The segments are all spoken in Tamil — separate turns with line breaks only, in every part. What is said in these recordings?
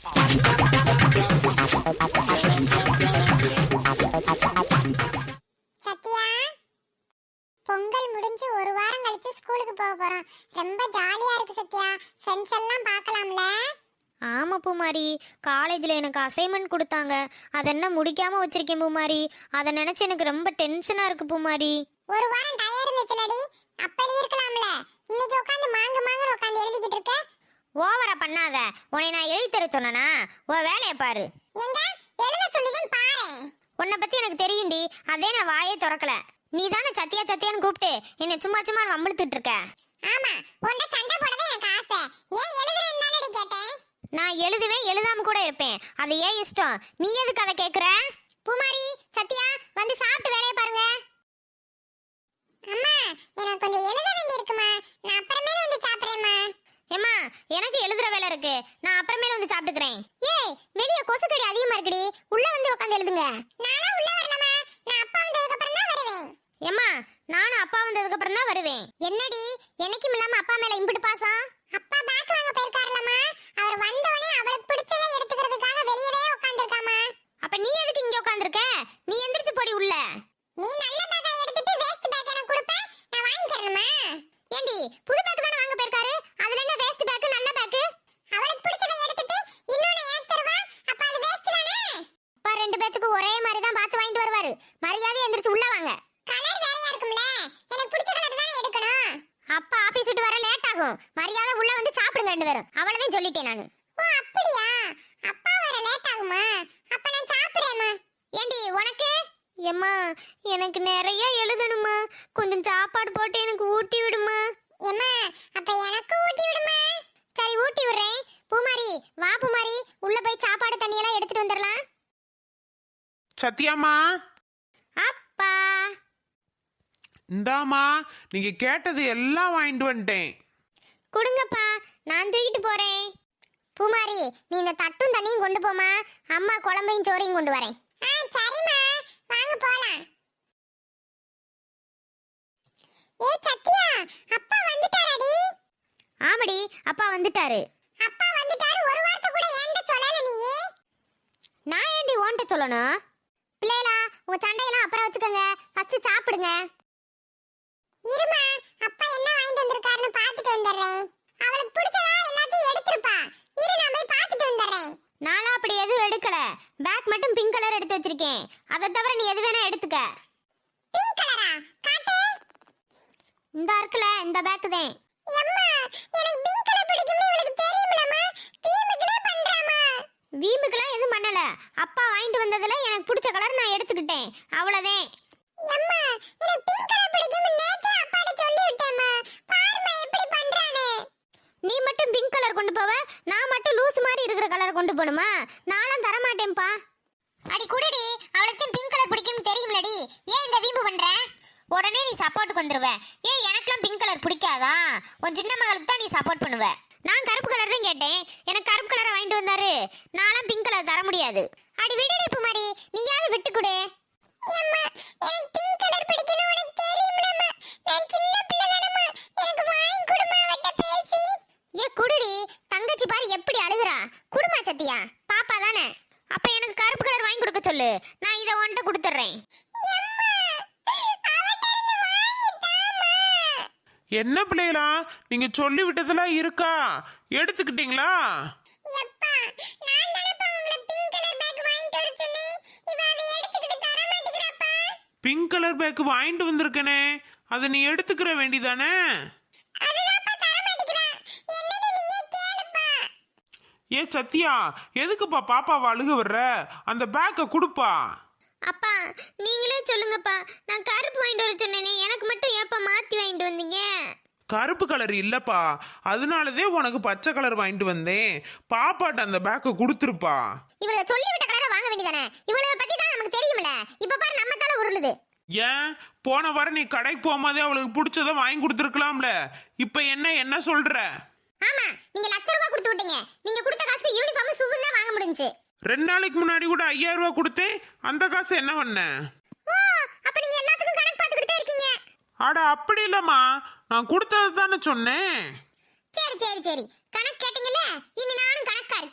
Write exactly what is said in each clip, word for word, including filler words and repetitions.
சத்யா, பொங்கல் முடிஞ்சு ஒரு வாரம் கழிச்சு ஸ்கூலுக்கு போக போறோம். ரொம்ப ஜாலியா இருக்கு சத்யா. ஃப்ரெண்ட்ஸ் எல்லாம் பார்க்கலாம்ல?
ஆமா பூமாரி, காலேஜில் எனக்கு அசைன்மெண்ட் கொடுத்தாங்க. அதை என்ன முடிக்காம வச்சிருக்கேன் பூமாரி. அதை நினைச்சு எனக்கு ரொம்ப டென்ஷனா இருக்கு பூமாரி.
ஒரு வாரம் டயர் இருந்துச்சுலடி, அப்ப எழுதிருக்கலாம்ல. இன்னைக்கு உட்காந்து மாங்கு மாங்கு உட்காந்து எழுதிக்கிட்டு இருக்க.
ஓவரா பண்ணாத. உன்னை நான் எழுதி தர சொன்னனா? உன் வேலையை பாரு.
எங்க எழுத சொல்லிதான் பாரு.
உன்னை பத்தி எனக்கு தெரியும்டி, அதே நான் வாயே திறக்கல. நீ தானே சத்தியா சத்தியான்னு கூப்பிட்டு என்னை சும்மா சும்மா வம்பிழுத்துட்டு இருக்க.
ஆமா, உன்ட சண்டை போடவே எனக்கு ஆசை. ஏன் எழுதுறேன்னு தானடி கேட்டேன்.
நான் எழுதுவேன், எழுதாம கூட இருப்பேன். அது ஏன் இஷ்டம். நீ எதுக்கு அதை கேட்குற?
பூமாரி, சத்யா வந்து சாப்பிட்டு வேலையை பாருங்க. அம்மா, எனக்கு கொஞ்சம் எழுத வேண்டி இருக்குமா. நான் அப்புறமேல வந்து சாப்பிடுறேம்மா.
ஏம்மா, எனக்கு எழுதுற வேலை இருக்கு. நான் அப்புறமேல வந்து சாப்பிட்டுக்கிறேன். ஏய், வெளிய கொசுக்கடி அதிகமா இருக்குடி. உள்ள வந்து உட்காந்து எழுதுங்க.
நானும் உள்ள வரலமா. நான் அப்பா வந்ததுக்கு அப்புறம் தான் வருவேன்.
ஏம்மா, நானும் அப்பா வந்ததுக்கு அப்புறம் தான் வருவேன்.
என்னடி, என்னைக்கும் இல்லாம அப்பா மேல இம்பிட்டு பாசம்? அப்பா பேக் வாங்க போயிருக்காருலமா. அவர் வந்த உடனே அவளுக்கு பிடிச்சதை எடுத்துக்கிறதுக்காக வெளியவே உட்கார்ந்திருக்காமா.
அப்ப நீ எதுக்கு இங்க உட்கார்ந்திருக்க? நீ எந்திரிச்சு போடி உள்ள.
நீ நல்ல பேக்கை எடுத்துட்டு வேஸ்ட் பேக் எனக்கு கொடுப்ப, நான் வாங்கிக்கிறேன்மா.
ஏண்டி, புது பேக் தானே வாங்க போயிருக்காரு. அதுல என்ன வேஸ்ட் பேக் நல்ல பேக்?
அவளுக்கு பிடிச்சதை எடுத்துட்டு இன்னொன்னு எனக்கு தருவா. அப்ப அது வேஸ்ட் தானே?
அப்பா ரெண்டு பேத்துக்கு ஒரே மாதிரி தான் பார்த்து வாங்கிட்டு வருவாரு. மரியாதை எந்திரிச்சு உள்ள வாங்க.
கலர் வேறையா இருக்கும்ல, எனக்கு பிடிச்ச கலர் தானே எடுக்கணும்.
அப்பா ஆபீஸ் விட்டு வர லேட் ஆகும். மரியாதை உள்ள வந்து சாப்பிடுங்க ரெண்டு பேரும். அவ்வளவுதான் சொல்லிட்டேன் நானு.
ஓ அப்படியா? அப்பா வர லேட் ஆகுமா? அப்ப நான் சாப்பிடுறேம்மா.
ஏண்டி உனக்கு? எம்மா, எனக்கு நிறைய எழுதணுமா. கொஞ்சம் சாப்பாடு போட்டு எனக்கு ஊட்டி விடுமா.
ஏம்மா, அப்ப எனக்கு ஊட்டி விடுமா.
சரி, ஊட்டி விடுறேன். பூமாரி, வா பூமாரி, உள்ள போய் சாப்பாடு தண்ணி எல்லாம் எடுத்துட்டு வந்துடலாம்.
சத்யாமா,
அப்பா
இந்தாமா, நீங்க கேட்டது எல்லாம் வாங்கிட்டு வந்துட்டேன்.
கொடுங்கப்பா, நான் தூக்கிட்டு போறேன். பூமாரி, நீ இந்த தட்டும் தண்ணியும் கொண்டு போமா. அம்மா குழம்பையும் சோறையும் கொண்டு வரேன்.
ஆ சரிம்மா, வாங்க போலாம். ஏ சத்யா, அப்பா வந்துட்டாரடி.
ஆமாடி, அப்பா வந்துட்டாரு.
அப்பா வந்துட்டாரு. ஒரு வார்த்தை கூட என்கிட்ட சொல்லல நீ.
நான் ஏண்டி ஓன்ட்ட சொல்லணும்? பிள்ளைகளா, உங்க சண்டையெல்லாம் அப்புறம் வச்சுக்கோங்க. ஃபர்ஸ்ட் சாப்பிடுங்க.
இருமா, அப்பா என்ன வாங்கிட்டு வந்திருக்காருன்னு பார்த்துட்டு வந்துடுறேன். அவளுக்கு பிடிச்சதா எல்லாத்தையும் எடுத்துருப்பா. இரு, நான் போய் பார்த்துட்டு வந்துடுறேன்.
நானா அப்படி எதுவும் எடுக்கல. பேக் மட்டும் பிங்க் கலர் எடுத்து வச்சிருக்கேன். அதை தவிர நீ எது வேணா எடுத்துக்க.
பிங்க் கலரா? காட்டு.
இந்த இருக்குல, இந்த பேக் தான்.
அம்மா, எனக்கு பிங்க் கலர் பிடிக்கும்னு இவளுக்கு தெரியும்லமா. வீம்புக்குனே பண்றாமா.
வீம்புக்கெல்லாம் எதுவும் பண்ணல. அப்பா வாங்கிட்டு வந்ததுல எனக்கு பிடிச்ச கலர் நான் எடுத்துக்கிட்டேன். அவ்வளவுதான்.
அம்மா, எனக்கு பிங்க் கலர் பிடிக்கும்னு நேத்தே அப்பாட்ட சொல்லி விட்டேம்மா. பாரும்மா எப்படி பண்றானே.
நீ மட்டும் பிங்க் கலர் கொண்டு போவ, நான் மட்டும் லூஸ் மாதிரி இருக்கிற கலர் கொண்டு போணுமா? நானும் தர மாட்டேன்ப்பா.
அடி குடுடி, அவளுக்கு பிங்க் கலர் பிடிக்கும்னு தெரியும்லடி. ஏன் இந்த வீம்பு பண்ற?
உடனே நீ சப்போர்ட்டுக்கு வந்துருவ. ஏன் எனக்குலாம் பிங்க் கலர் பிடிக்காதா? உன் சின்ன மகளுக்கு தான் நீ சப்போர்ட் பண்ணுவ. நான் கருப்பு கலர் தான் கேட்டேன். எனக்கு கருப்பு கலரை வாங்கிட்டு வந்தாரு. நானும் பிங்க் கலர் தர முடியாது.
அடி விடுடி பூமாரி, நீயாவது விட்டு கொடு. அம்மா, எனக்கு பிங்க் கலர் பிடிக்கும்னு உனக்கு தெரியும்லம்மா. நான் சின்ன பிள்ளை தானம்மா. எனக்கு வாங்கி கொடுமா அவட்ட பேசி.
ஏ குடுடி, தங்கச்சி பாரு எப்படி அழுகுறா. குடுமா சத்தியா, பாப்பா தானே. அப்ப எனக்கு கருப்பு கலர் வாங்கி கொடுக்க சொல்லு. நான் இதை உன்கிட்ட கொடுத்துட்றேன்.
என்ன பிள்ளைகளா, நீங்க சொல்லி விட்டதெல்லாம் இருக்கா? எடுத்துக்கிட்டீங்களா?
எப்பா, நான் தானப்பா உங்களை பிங்க் கலர் பேக் வாங்கிட்டு வர சொன்னேன். இவ அதை எடுத்துக்கிட்டு தர மாட்டேங்கிறாப்பா.
பிங்க் கலர் பேக் வாங்கிட்டு வந்திருக்கனே, அதை நீ எடுத்துக்கிற வேண்டிதானே?
அதுதான்ப்பா தர மாட்டேங்கிறா. என்னன்னு நீயே கேளுப்பா.
ஏ சத்யா, எதுக்குப்பா பாப்பாவை அழுக வர்ற? அந்த பேக்கை கொடுப்பா.
அப்பா, நீங்களே சொல்லுங்கப்பா. நான் கருப்பு வாங்கிட்டு வர சொன்னேனே, எனக்கு மட்டும் ஏப்பா மாத்தி வாங்கிட்டு வந்தீங்க?
கருப்பு கலர் இல்லப்பா, அதனாலதே உனக்கு பச்சை கலர் வாங்கிட்டு வந்தேன். பாப்பாட்ட அந்த பேக்கை கொடுத்துருப்பா.
இவள சொல்லி விட்ட கலரை வாங்க வேண்டியதானே? இவள பத்தி தான் நமக்கு தெரியும்ல. இப்ப பாரு நம்ம தலை உருளுது.
ஏன் போன வாரம் நீ கடைக்கு போகும்போதே அவளுக்கு பிடிச்சத வாங்கி கொடுத்துருக்கலாம்ல. இப்ப என்ன என்ன சொல்ற?
ஆமா, நீங்க லட்ச ரூபாய் கொடுத்து விட்டீங்க. நீங்க கொடுத்த காசுக்கு யூனிஃபார்ம் ஷூவும் தான் வாங்க முடிஞ்சுச்சு.
ரெண்டு நாளைக்கு முன்னாடி கூட ஐயாயிரம் ரூபாய் கொடுத்தேன். அந்த காசு என்ன பண்ண?
ஓ, அப்ப நீங்க எல்லாத்துக்கும் கணக்கு பார்த்துக்கிட்டே இருக்கீங்க.
அட அப்படி இல்லம்மா, நான் கொடுத்தது தானே சொன்னேன்.
சரி சரி சரி, கணக்கு கேட்டீங்கல்ல, இனி நானும் கணக்கா இருக்கேன்.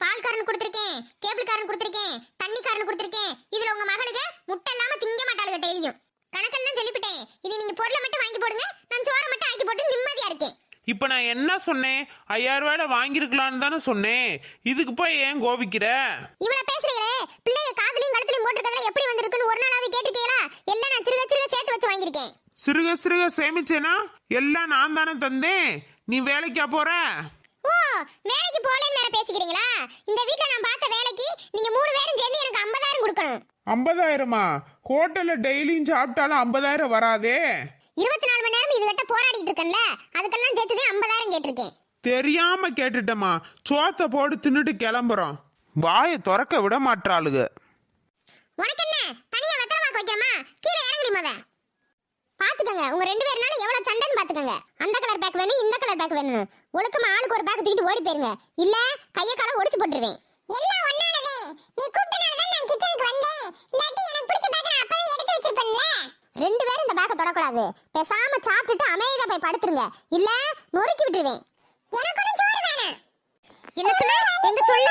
பால் காரன் கொடுத்துருக்கேன், கேபிள் காரன் கொடுத்துருக்கேன், தண்ணி காரன் கொடுத்துருக்கேன். இதுல உங்க மகளுக்கு முட்டை இல்லாம திங்க மாட்டாளுங்க டெய்லியும். கணக்கெல்லாம் சொல்லிவிட்டேன். இது நீங்க பொருளை மட்டும் வாங்கி போடுங்க, நான் சோறை மட்டும் ஆக்கி போட்டு நிம்மதியா இருக்கேன்.
இப்ப நான் என்ன சொன்னேன்? ஐயாயிரம் ரூபாயில வாங்கிருக்கலான்னு தானே சொன்னேன். இதுக்கு போய் ஏன் கோபிக்கிற?
இவ்வளவு பேசுறீங்களே, பிள்ளைய காதுலயும் கழுத்துலயும் போட்டுருக்கறதுல எப்படி வந்திருக்குன்னு ஒரு நாளாவது கேட்டுட்டீங்களா? எல்லாம் நான் சிறுக சிறுக சேர்த்து வச்சு வாங்கியிருக்கேன்.
சிறுக சிறுக சேமிச்சேனா எல்லாம் நான் தானே தந்தேன். நீ வேலைக்கா போற?
ஓ, வேலைக்கு போலேன்னு வேற பேசிக்கிறீங்களா? இந்த வீட்ல நான் பார்த்த வேலைக்கு நீங்க மூணு பேரும் சேர்ந்து எனக்கு ஐம்பதாயிரம் கொடுக்கணும்.
ஐம்பதாயிரமா? ஹோட்டல்ல டெய்லியும் சாப்பிட்டாலும் ஐம்பதாயிரம் வராதே.
இருபத்தி நாலு மணி நேரம் இதுகிட்ட போராடிட்டு இருக்கேன்ல, அதுக்கெல்லாம் சேர்த்துதான் ஐம்பதாயிரம் கேட்டிருக்கேன்.
தெரியாம கேட்டுட்டமா. சோத்த போட்டு தின்னுட்டு கிளம்புறோம். வாயை திறக்க விட மாட்டாளுக.
உனக்கு என்ன தனியா வெத்தரமாக்க வைக்கிறமா? கீழே இறங்கி முத. பாத்துக்கங்க, உங்க ரெண்டு பேர்னால எவ்வளவு சண்டைன்னு பாத்துக்கங்க. அந்த கலர் பேக் வேணும், இந்த கலர் பேக் வேணும். ஒழுக்கமா ஆளுக்கு ஒரு பேக் தூக்கிட்டு ஓடி போயிருங்க, இல்ல கைய கால ஒடிச்சு போட்டுருவேன்.
எல்லாம் ஒண்ணானதே. நீ கூப்பிட்டனால தான் நான் கிச்சனுக்கு வந்தேன். இல்லாட்டி எனக்கு பிடிச்ச பேக் நான் அப்பவே எடுத்து வச்சிருப்பேன்ல.
ரெண்டு பேரும் இந்த பேக்க தொடக்கூடாது. பேசாம சாப்பிட்டுட்டு அமைதியா போய் படுத்துருங்க, இல்ல நொறுக்கி விட்டுருவேன்.
எனக்கு ஒண்ணும் சோறு வேணாம்.
என்ன சொன்ன? எங்க சொல்ல?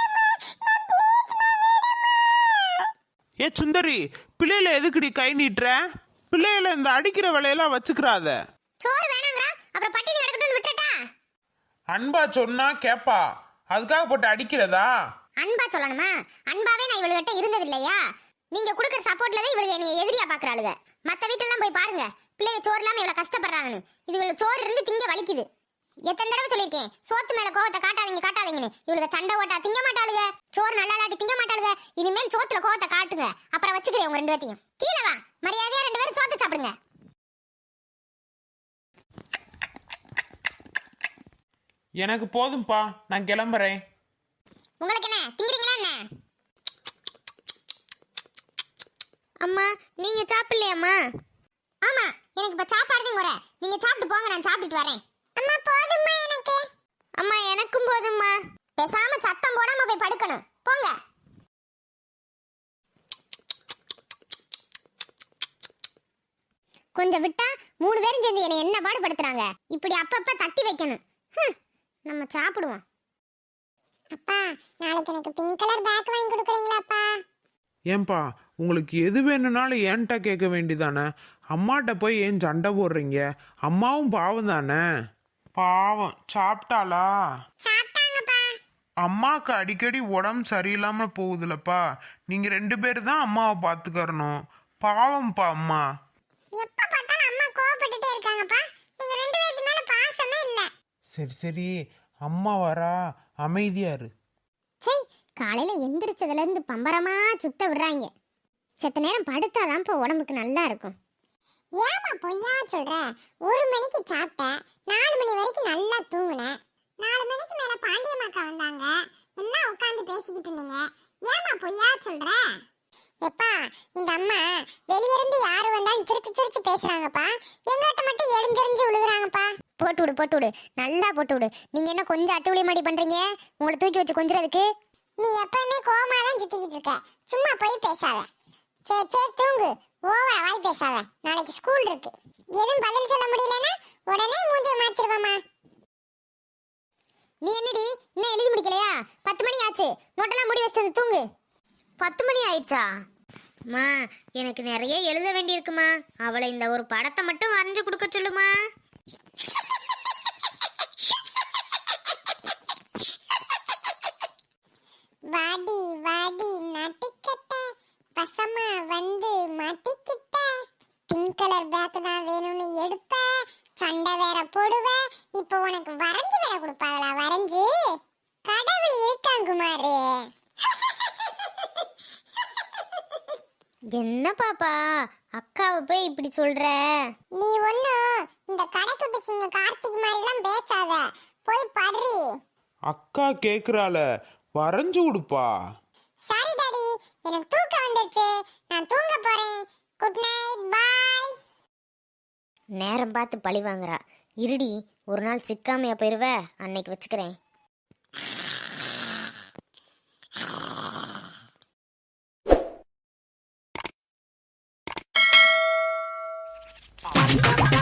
ஏ சுந்தரி, பிள்ளையில எதுக்குடி கை நீட்டுற? பிள்ளையில இந்த அடிக்கிற வேலையெல்லாம் வச்சுக்கிறாத.
சோறு வேணாங்கறா, அப்புறம் பட்டினி கிடக்கட்டும்னு விட்டுட்டா?
அன்பா சொன்னா கேப்பா, அதுக்காக போட்டு அடிக்கிறதா?
அன்பா சொல்லணுமா? அன்பாவே நான் இவளுகிட்ட இருந்தது இல்லையா? நீங்க கொடுக்குற சப்போர்ட்ல தான் இவளுக்கு என்னைய எதிரியா பாக்குறாளுங்க. மத்த வீட்டெல்லாம் போய் பாருங்க, பிள்ளைய சோறு இல்லாம இவ்வளவு கஷ்டப்படுறாங்கன்னு. இதுகளுக்கு சோறு இருந்து திங்க வலிக்குது. எத்தனை தடவை சொல்லியிருக்கேன், சோத்து மேல கோவத்தை காட்டாதீங்க காட்டாதீங்கன்னு. இவளுக்கு சண்டை ஓட்டா திங்க மாட்டாளுங்க, சோறு நல்லா இல்லாட்டி திங்க மாட்டாளுங்க. இனிமேல் சோத்துல கோவத்தை காட்டுங்க, அப்புறம் வச்சுக்கிறேன் உங்க ரெண்டு பேத்தையும். கீழே வா, மரியாதையா ரெண்டு பேரும் சோத்து சாப்பிடுங்க.
எனக்கு போதும்பா, நான் கிளம்புறேன்.
உங்களுக்கு என்ன திங்கிறீங்களா என்ன? அம்மா, நீங்க சாப்பிடலையாம்மா? ஆமா, எனக்கு இப்ப சாப்பாடு தான் குறை. நீங்க சாப்பிட்டு போங்க, நான் சாப்பிட்டுட்டு வரேன்.
அம்மா போதும்மா எனக்கு.
அம்மா எனக்கும் போதும்மா. பேசாம சத்தம் போடாம போய் படுக்கணும், போங்க. கொஞ்சம் விட்டா மூணு பேரும் சேர்ந்து என்னை என்ன பாடுபடுத்துறாங்க. இப்படி அப்பப்ப தட்டி வைக்கணும். ஹம், நம்ம சாப்பிடுவோம்.
அப்பா, நாளைக்கு எனக்கு பிங்க் கலர் பேக் வாங்கி கொடுக்குறீங்களாப்பா?
ஏன்பா, உங்களுக்கு எது வேணும்னாலும் ஏன்ட்ட கேட்க வேண்டிதானே? அம்மாட்ட போய் ஏன் சண்டை போடுறீங்க? அம்மாவும் பாவம் தானே. பாவம் சாப்பிட்டாளா?
சாப்பிட்டாங்கப்பா.
அம்மாவுக்கு அடிக்கடி உடம்பு சரியில்லாம போகுதுலப்பா. நீங்க ரெண்டு பேரும் தான் அம்மாவை பாத்துக்கறணும். பாவம்ப்பா அம்மா.
எப்ப பார்த்தாலும் அம்மா கோவப்பட்டுட்டே இருக்காங்கப்பா. எங்க ரெண்டு பேருக்கு மேல பாசமே இல்ல.
சரி சரி, அம்மா வரா, அமைதியா இரு.
சே, காலையில எந்திரிச்சதுல இருந்து பம்பரமா சுத்த விடுறாங்க. செத்த நேரம் படுத்தாதான் இப்போ உடம்புக்கு நல்லா இருக்கும்.
ஏமா பொய்யா சொல்ற? ஒரு மணிக்கு சாப்பிட்டேன், நாலு மணி வரைக்கும் நல்லா தூங்குனேன். நாலு மணிக்கு மேல பாண்டியம்மாக்கா வந்தாங்க, எல்லாம் உட்காந்து பேசிக்கிட்டு இருந்தீங்க. ஏமா பொய்யா சொல்ற? எப்பா, இந்த அம்மா வெளியிருந்து யாரு வந்தாலும் சிரிச்சு சிரிச்சு பேசுறாங்கப்பா. எங்கிட்ட மட்டும் எரிஞ்செறிஞ்சு விழுகுறாங்கப்பா.
போட்டு விடு போட்டு விடு, நல்லா போட்டு விடு. நீங்க என்ன கொஞ்சம் அட்டுவலி மாடி பண்றீங்க உங்களை தூக்கி வச்சு கொஞ்சிறதுக்கு?
நீ எப்பவுமே கோமா தான் சுத்திக்கிட்டு இருக்க, சும்மா போய் பேசாத. சரி சரி தூங்கு, ஓவரா வாய் பேசாத. நாளைக்கு ஸ்கூல் இருக்கு. எதுவும் பதில் சொல்ல முடியலன்னா உடனே மூஞ்சியை மாத்திருவாமா.
நீ என்னடி இன்னும் எழுதி முடிக்கலையா? பத்து மணி ஆச்சு, நோட்டெல்லாம் முடி வச்சுட்டு வந்து தூங்கு. பத்து மணி ஆயிடுச்சா? அம்மா, எனக்கு நிறைய எழுத வேண்டி இருக்குமா. அவளை இந்த ஒரு படத்தை மட்டும் வரைஞ்சு கொடுக்க சொல்லுமா.
வாடி வாடி நட்டுக்கட்ட பசமா வந்து மாட்டிக்கிட்ட. பிங்க் கலர் பேக் தான் வேணும்னு எடுப்ப, சண்டை வேற போடுவ. இப்போ உனக்கு வரைஞ்சு வேற கொடுப்பாங்களா? வரைஞ்சு கடவுள் இருக்கான் குமாரு.
என்ன பாப்பா, அக்காவை போய் இப்படி சொல்ற?
நீ ஒன்னும் இந்த கடைக்குட்டி சிங்க கார்த்திக் மாதிரிலாம் பேசாத, போய் படுறி.
அக்கா கேக்குறாள, வரைஞ்சு கொடுப்பா.
சரி டாடி, எனக்கு தூக்கம் வந்துருச்சு, நான் தூங்க போறேன். Good night, bye.
நேரம் பார்த்து பழி வாங்குறா. இருடி, ஒரு நாள் சிக்காமையா போயிருவ, அன்னைக்கு வச்சுக்கிறேன்.
Bye.